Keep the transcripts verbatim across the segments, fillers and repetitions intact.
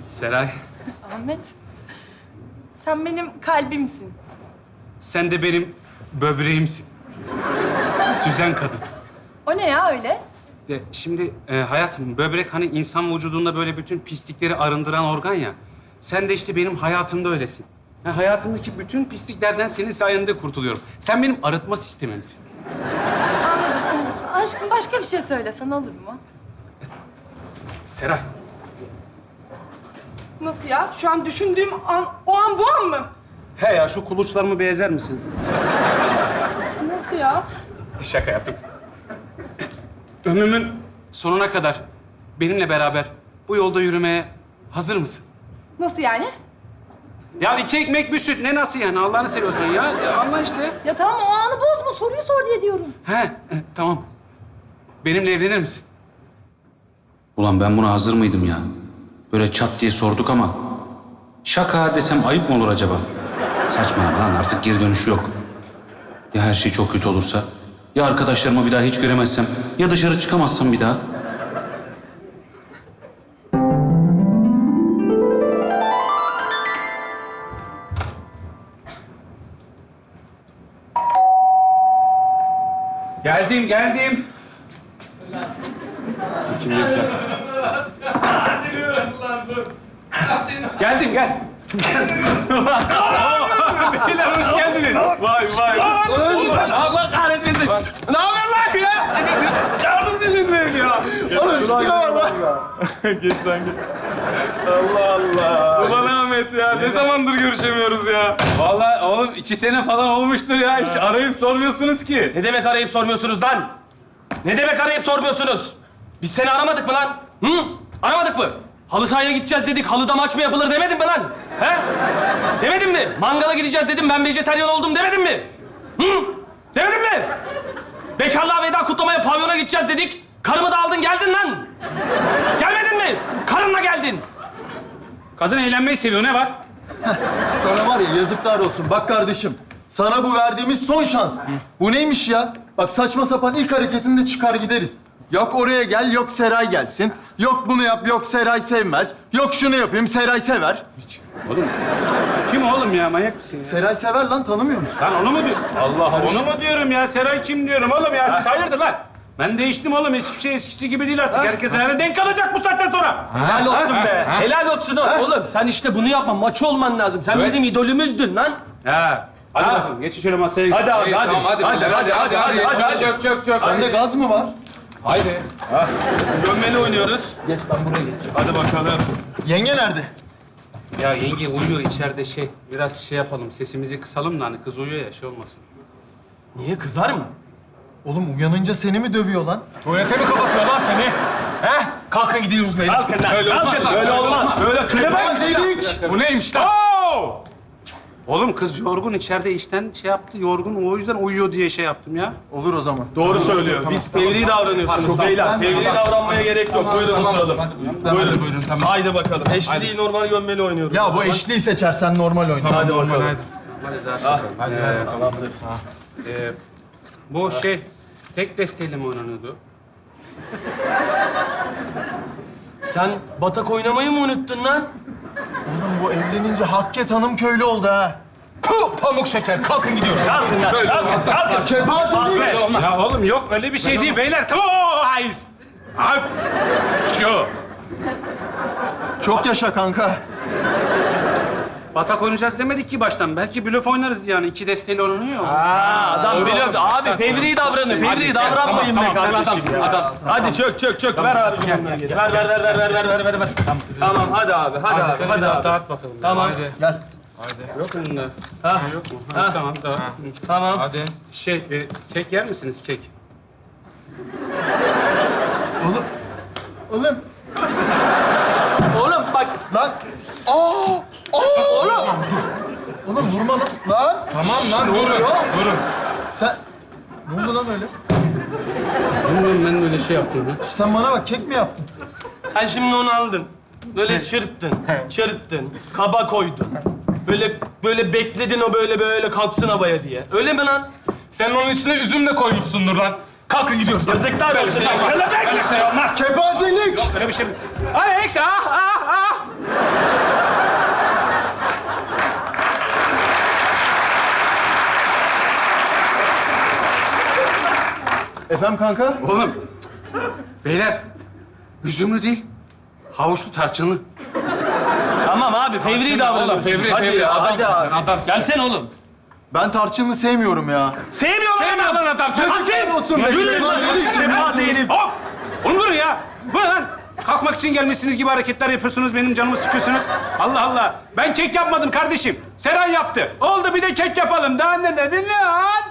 Seray, Ahmet, sen benim kalbimsin. sen de benim böbreğimsin. Süzen kadın. O ne ya öyle? Ya şimdi e, hayatım, böbrek hani insan vücudunda böyle bütün pislikleri arındıran organ ya. Sen de işte benim hayatımda öylesin. Ya hayatımdaki bütün pisliklerden senin sayende kurtuluyorum. Sen benim arıtma sistemimsin. Anladım. Aşkım başka bir şey söylesen olur mu? Seray, Nasıl ya? Şu an düşündüğüm an, o an bu an mı? he ya şu kuluçlarımı bir ezer misin? Nasıl ya? Şaka yaptım. Ömrümün sonuna kadar benimle beraber bu yolda yürümeye hazır mısın? Nasıl yani? Ya iki ekmek bir süt. Ne nasıl yani? Allah'ını seviyorsan ya. ya anla işte. Ya tamam o anı bozma. Soruyu sor diye diyorum. He, e, tamam. Benimle evlenir misin? Ulan ben buna hazır mıydım ya? Böyle çat diye sorduk ama... Şaka desem ayıp mı olur acaba? Saçmalama lan, artık geri dönüşü yok. Ya her şey çok kötü olursa? Ya arkadaşlarımı bir daha hiç göremezsem? Ya dışarı çıkamazsam bir daha? Geldim, geldim. Çekim de güzel. Geldim, gel. Beyler hoş geldiniz. Vay vay. Allah kahretmesin. Ne haber lan ya? Yalnız yüzündeyim ya. Oğlum ciddi var lan. Geç lan geç. Allah Allah. Ulan Ahmet ya, ne zamandır görüşemiyoruz ya? Vallahi oğlum iki sene falan olmuştur ya. Hiç arayıp sormuyorsunuz ki. Ne demek arayıp sormuyorsunuz lan? Ne demek arayıp sormuyorsunuz? Biz seni aramadık mı lan? Hı? Aramadık mı? Halı sahaya gideceğiz dedik, halıda maç mı yapılır demedim mi lan? He? Demedim mi? Mangala gideceğiz dedim, ben vejetaryen oldum demedim mi? Hı? Demedim mi? Bekarlığa veda kutlamaya pavyona gideceğiz dedik, karımı da aldın geldin lan. Gelmedin mi? Karınla geldin. Kadın eğlenmeyi seviyor, ne var? Sana var ya yazıklar olsun. Bak kardeşim, sana bu verdiğimiz son şans. Bu neymiş ya? Bak saçma sapan ilk hareketinde çıkar gideriz. Yok oraya gel, yok Seray gelsin. Yok bunu yap, yok Seray sevmez. Yok şunu yapayım, Seray sever. Oğlum, kim oğlum ya? Manyak mısın ya? Seray sever lan, tanımıyor musun? Lan onu mu diyor? Allah, onu mu diyorum ya? Seray kim diyorum oğlum ya? Siz hayırdır lan? Ben değiştim oğlum. Hiçbir şey eskisi gibi değil artık. Herkes ayağına denk kalacak bu saatten sonra. Helal olsun be. Helal olsun oğlum. Sen işte bunu yapma. Maçı olman lazım. Sen bizim idolümüzdün lan. Ha. Hadi Ha. bakalım. Geçin şöyle masaya. gidin. Hadi abi hadi. Tamam hadi hadi hadi hadi hadi. hadi, hadi. Çök çök çök. Sende gaz mı var? Haydi. Gömmeli oynuyoruz. Geç, ben buraya geçeceğim. Hadi bakalım. Yenge nerede? Ya yenge uyuyor içeride şey. Biraz şey yapalım. Sesimizi kısalım da hani kız uyuyor ya şey olmasın. Niye kızar mı? Oğlum uyanınca seni mi dövüyor lan? Tuvalete mi kapatıyor lan seni? He? Kalkın gidiyoruz beyler. Kalkın lan. Öyle olmaz. Kalkın. Öyle olmaz. Böyle kılemem. Gazelik! Bu neymiş lan? Oğlum kız yorgun içeride işten şey yaptı. Yorgun o yüzden uyuyor diye şey yaptım ya. Olur o zaman. Doğru söylüyor. Biz fevri davranıyorsunuz beyler. Fevri davranmaya gerek yok. Buyurun oturalım. Buyurun buyurun tamam. Haydi bakalım. Eşli değil normal gömmeli oynuyoruz. Ya bu eşliği seçersen normal oyna. Hadi bakalım. Hadi zaten. Hadi, Ee, bu şey tek desteğiyle mi oynanıyordu? Sen batak oynamayı mı unuttun lan? Oğlum bu evlenince Hakke Hanım köylü oldu ha. Puh, pamuk şeker. Kalkın gidiyoruz. Kalkın lan. Kalkın. Kalkın. Kepazelik! Ya oğlum yok öyle bir şey değil beyler. Tamam. Hayır. Abi. Şu. Çok yaşa kanka. Batak oynayacağız demedik ki baştan. Belki blöf oynarız yani. İki desteğiyle oynanıyor. Aa, adam biliyor. Abi fevri davranın. Fevri davranmayın be kardeşim ya. Hadi çök çök çök. Ver abi. Ver ver ver ver ver ver ver ver ver. Tamam hadi abi. Hadi abi. Hadi abi. Dağıt bakalım. Tamam. Gel. Yok mu bunda? Ha. Yok mu? Ha, tamam dağıt. Tamam. Hadi. Şey, e, kek yer misiniz kek? Oğlum. Oğlum. Oğlum bak. Lan. Aa! Aa! Oğlum. Oğlum vurma lan. Lan. Tamam lan durun. Durun. Sen... Ne oldu lan öyle? Bilmiyorum ben böyle şey yaptım ya. Sen bana bak, kek mi yaptın? Sen şimdi onu aldın. Böyle çırptın. Çırptın. Kaba koydun. Böyle böyle bekledin o böyle böyle kalksın havaya diye. Öyle mi lan? Sen onun içine üzüm de koymuşsundur lan. Kalkın gidiyoruz. Yazıklar olsun. Öyle şey olmaz. Kepazelik! Öyle bir şey mi? Alex ah ah ah! Efendim kanka? Oğlum, beyler, üzümlü değil, havuçlu tarçınlı. Tamam abi, fevri davranıyorsun. Fevri, Hadi fevri, ya, adamsın hadi sen, abi. adamsın. Gelsene oğlum. Ben tarçınlı sevmiyorum ya. Sevmiyor lan Sevmiyor adam. lan adam, sen Yazıklar olsun be. Yürü lan, Kepazelik. kepaze herif. Hop! Oğlum durun ya. Bu ne lan? Kalkmak için gelmişsiniz gibi hareketler yapıyorsunuz, benim canımı sıkıyorsunuz. Allah Allah. Ben kek yapmadım kardeşim. Seren yaptı. Oldu bir de kek yapalım. Daha ne dedin lan?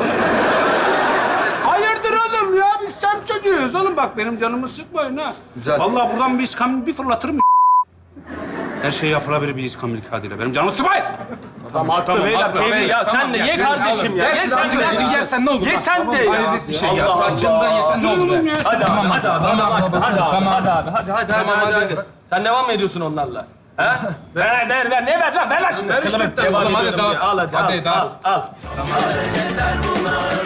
Hayırdır oğlum ya? Biz semt çocuğuyuz oğlum. Bak benim canımı sıkmayın ha. Güzel. Vallahi buradan bir iskambil bir fırlatırım. Her şey yapılabilir bir iskambil kağıdıyla. Benim canımı sıkmayın. Tamam, haklı beyler. haklı. Fevri ya, Tamam sen de ya, ye Fevri, kardeşim ya. tamam. Ye Ye sen de. sen, yersen ne olur? Ye sen de ya. Hayret bir şey ya. Allah Tarçından yesen ne olur? ya? Hadi abi, hadi abi, hadi abi, hadi abi, Tamam. hadi abi, hadi, hadi, hadi, hadi, hadi. Sen devam mı ediyorsun onlarla? Ha? Ver, ver, ver. Ne ver lan? Ver lan şimdi. Ver işte, Kılıbık tamam, devam hadi ediyorum dağıt. ya. Al hadi, Hadi al, dağıt. al, al.